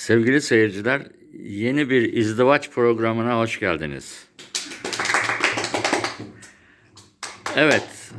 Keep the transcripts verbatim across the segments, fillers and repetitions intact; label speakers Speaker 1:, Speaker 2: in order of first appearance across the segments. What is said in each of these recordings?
Speaker 1: Sevgili seyirciler, yeni bir izdivaç programına hoş geldiniz. Evet,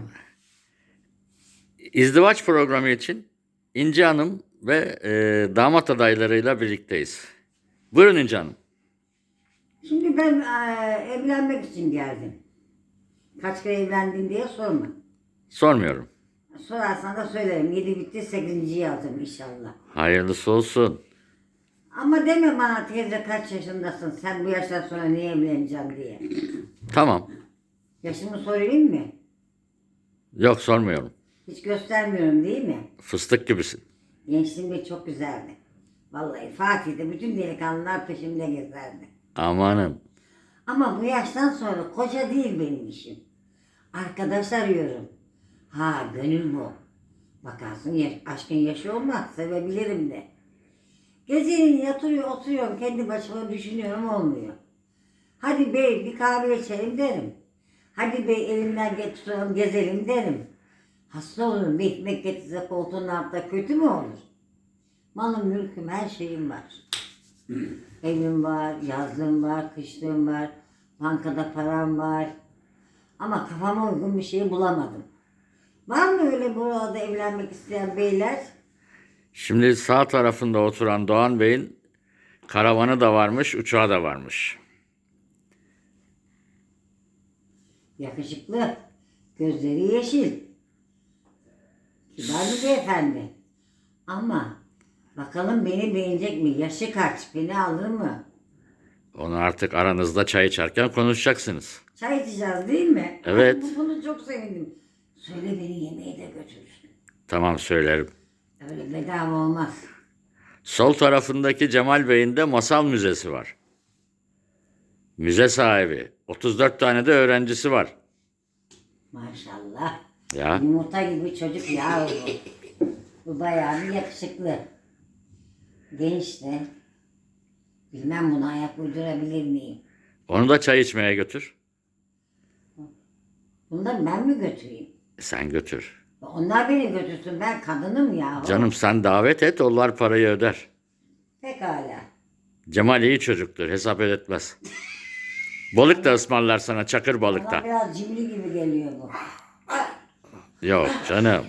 Speaker 1: izdivaç programı için İnci Hanım ve e, damat adaylarıyla birlikteyiz. Buyurun İnci Hanım.
Speaker 2: Şimdi ben eee, evlenmek için geldim. Kaç kere evlendin diye sorma.
Speaker 1: Sormuyorum.
Speaker 2: Sorarsan da söylerim. Yedi bitti, sekizinciyi alacağım inşallah.
Speaker 1: Hayırlısı olsun.
Speaker 2: Ama deme bana teyze kaç yaşındasın, sen bu yaştan sonra niye evleneceğim diye.
Speaker 1: Tamam.
Speaker 2: Yaşımı sorayım mı?
Speaker 1: Yok, sormuyorum.
Speaker 2: Hiç göstermiyorum değil mi?
Speaker 1: Fıstık gibisin.
Speaker 2: Gençliğimde çok güzeldi. Vallahi Fatih'te bütün delikanlılar peşimde gezerdi.
Speaker 1: Amanın.
Speaker 2: Ama bu yaştan sonra koca değil benim işim. Arkadaş arıyorum. Ha gönül bu. Bakarsın yaş, aşkın yaşı olmaz, sevebilirim de. Geceleyin yatırıyor oturuyorum kendi başıma düşünüyorum olmuyor. Hadi bey bir kahve içelim derim. Hadi bey elimden tutalım gezelim derim. Hasta olurum bir ekmek getirse koltuğun altında kötü mü olur? Malım mülküm her şeyim var. Evim var, yazlığım var, kışlığım var, bankada param var. Ama kafama uygun bir şey bulamadım. Var mı öyle burada evlenmek isteyen beyler?
Speaker 1: Şimdi sağ tarafında oturan Doğan Bey'in karavanı da varmış, uçağı da varmış.
Speaker 2: Yakışıklı, gözleri yeşil. Kibar bir beyefendi. Ama bakalım beni beğenecek mi? Yaşı kaç? Beni alır mı?
Speaker 1: Onu artık aranızda çay içerken konuşacaksınız.
Speaker 2: Çay içeceğiz değil mi?
Speaker 1: Evet.
Speaker 2: Ay, bu- bunu çok sevindim. Söyle beni yemeğe de götürsün.
Speaker 1: Tamam, söylerim.
Speaker 2: Öyle bedava olmaz.
Speaker 1: Sol tarafındaki Cemal Bey'in de masal müzesi var. Müze sahibi. otuz dört tane de öğrencisi var.
Speaker 2: Maşallah.
Speaker 1: Ya.
Speaker 2: Yumurta gibi çocuk ya bu. Bu bayağı bir yakışıklı. Genç de. Bilmem buna ayak uydurabilir miyim?
Speaker 1: Onu da çay içmeye götür.
Speaker 2: Bunları ben mi götüreyim?
Speaker 1: E, Sen götür.
Speaker 2: Onlar beni götürsün. Ben kadınım ya.
Speaker 1: Canım sen davet et, onlar parayı öder.
Speaker 2: Pekala.
Speaker 1: Cemal iyi çocuktur, hesap ödetmez. Balık da ısmarlar sana, çakır
Speaker 2: Bana
Speaker 1: balıkta.
Speaker 2: biraz cimri gibi geliyor bu.
Speaker 1: Yok canım.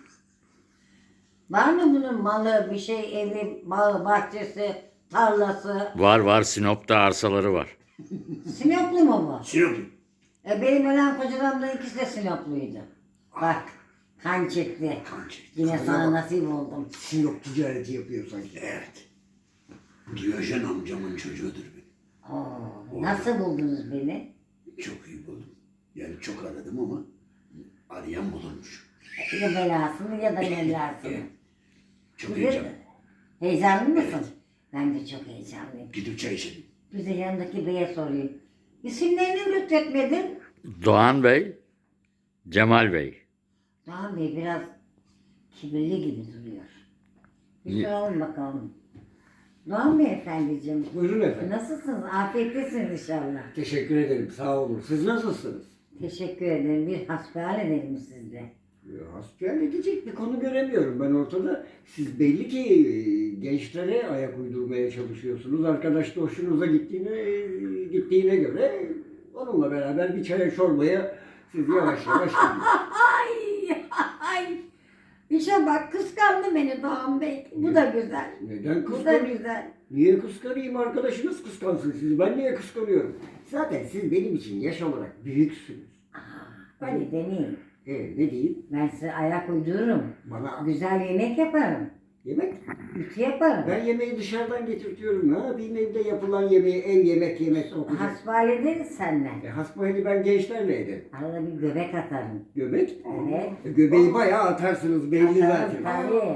Speaker 2: Var mı bunun malı, bir şey, evi, bağı, bahçesi, tarlası?
Speaker 1: Var var, Sinop'ta arsaları var.
Speaker 2: Sinoplu mu bu?
Speaker 3: Sinop.
Speaker 2: E benim ölen kocalarımdan ikisi de Sinopluydu. Bak, kan çekti.
Speaker 3: Kan çekti.
Speaker 2: Yine
Speaker 3: Kana
Speaker 2: sana
Speaker 3: bak.
Speaker 2: nasip oldum.
Speaker 3: Sinop ticareti yapıyor sanki. Evet. Diyojen amcamın çocuğudur benim.
Speaker 2: Oo, nasıl buldunuz beni?
Speaker 3: Çok iyi buldum. Yani çok aradım ama arayan bulunmuş.
Speaker 2: Ya belasını ya da belasını.
Speaker 3: Evet. Çok
Speaker 2: Güzel.
Speaker 3: heyecanlı.
Speaker 2: Heyecanlı mısın?
Speaker 3: Evet.
Speaker 2: Ben de çok heyecanlıyım.
Speaker 3: Gidip çay içelim.
Speaker 2: Bir de yanındaki beye sorayım. İsimlerini lütfetmedin.
Speaker 1: Doğan Bey, Cemal Bey.
Speaker 2: Doğan Bey biraz kibirli gibi duruyor. Bir
Speaker 1: Niye?
Speaker 2: soralım bakalım. Doğan Bey efendiciğim.
Speaker 4: Buyurun efendim.
Speaker 2: Nasılsınız? Afiyettesiniz inşallah.
Speaker 4: Teşekkür ederim. Sağ olun. Siz nasılsınız?
Speaker 2: Teşekkür ederim. Bir hasbihal edelim sizde.
Speaker 4: Ya, hasbihal edecek bir konu göremiyorum ben ortada. Siz belli ki e, gençlere ayak uydurmaya çalışıyorsunuz. Arkadaş da hoşunuza gittiğine, e, gittiğine göre onunla beraber bir çaya çorbaya siz yavaş yavaş gidin.
Speaker 2: Ay ay. İşe bak kıskandı beni Doğan Bey. Bu da güzel.
Speaker 4: Neden
Speaker 2: Bu da
Speaker 4: kıskanayım?
Speaker 2: güzel.
Speaker 4: Niye kıskanayım? Arkadaşınız kıskansın sizi. Ben niye kıskanıyorum? Zaten siz benim için yaş olarak büyüksünüz.
Speaker 2: Hadi deneyin.
Speaker 4: E, ne diyeyim?
Speaker 2: Ben size ayak uydururum.
Speaker 4: Bana
Speaker 2: Güzel yemek yaparım.
Speaker 4: yemek.
Speaker 2: Ütü yaparım.
Speaker 4: Ben yemeği dışarıdan getirtiyorum. Ne yapayım evde yapılan yemeği, ev yemek yemek okuyacak.
Speaker 2: Hasbihal ederiz seninle.
Speaker 4: E, hasbihali ben gençlerle ederim.
Speaker 2: Arada bir göbek atarım.
Speaker 4: Göbek?
Speaker 2: Evet.
Speaker 4: E, göbeği bayağı atarsınız belli
Speaker 2: Atarım
Speaker 4: zaten.
Speaker 2: tabii.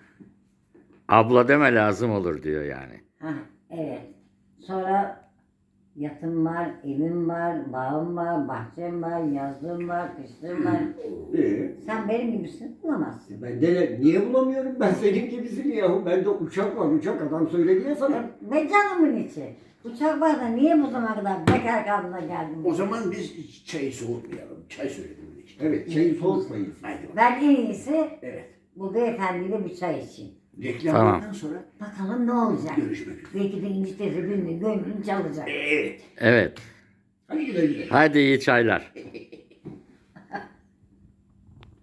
Speaker 1: Abla deme lazım olur diyor yani.
Speaker 2: Ha, evet. Sonra yatım var, evim var, bağım var, bahçem var, yazlığım var, kışlığım var.
Speaker 4: E,
Speaker 2: Sen benim gibisin bulamazsın.
Speaker 4: ben de ne bulamıyorum ben senin gibisin yahu. Bende uçak var uçak adam söyledi ya sana.
Speaker 2: Ve canımın içi. Uçak var da niye bu zamana kadar bekar kaldığına geldin?
Speaker 3: O zaman biz çayı soğutmayalım. Çay söyledim işte.
Speaker 4: Evet çayı soğutmayın.
Speaker 3: Haydi bak.
Speaker 2: Ben en iyisi
Speaker 3: Evet.
Speaker 2: bu beyefendiyle bir çay için.
Speaker 3: Reklamlardan
Speaker 1: Tamam.
Speaker 3: sonra
Speaker 2: Bakalım ne olacak.
Speaker 3: görüşmek üzere.
Speaker 2: Belki de İnci teyze birinin gönlünü çalacak.
Speaker 3: Evet.
Speaker 1: Evet.
Speaker 4: Hadi güle güle.
Speaker 1: Hadi iyi çaylar.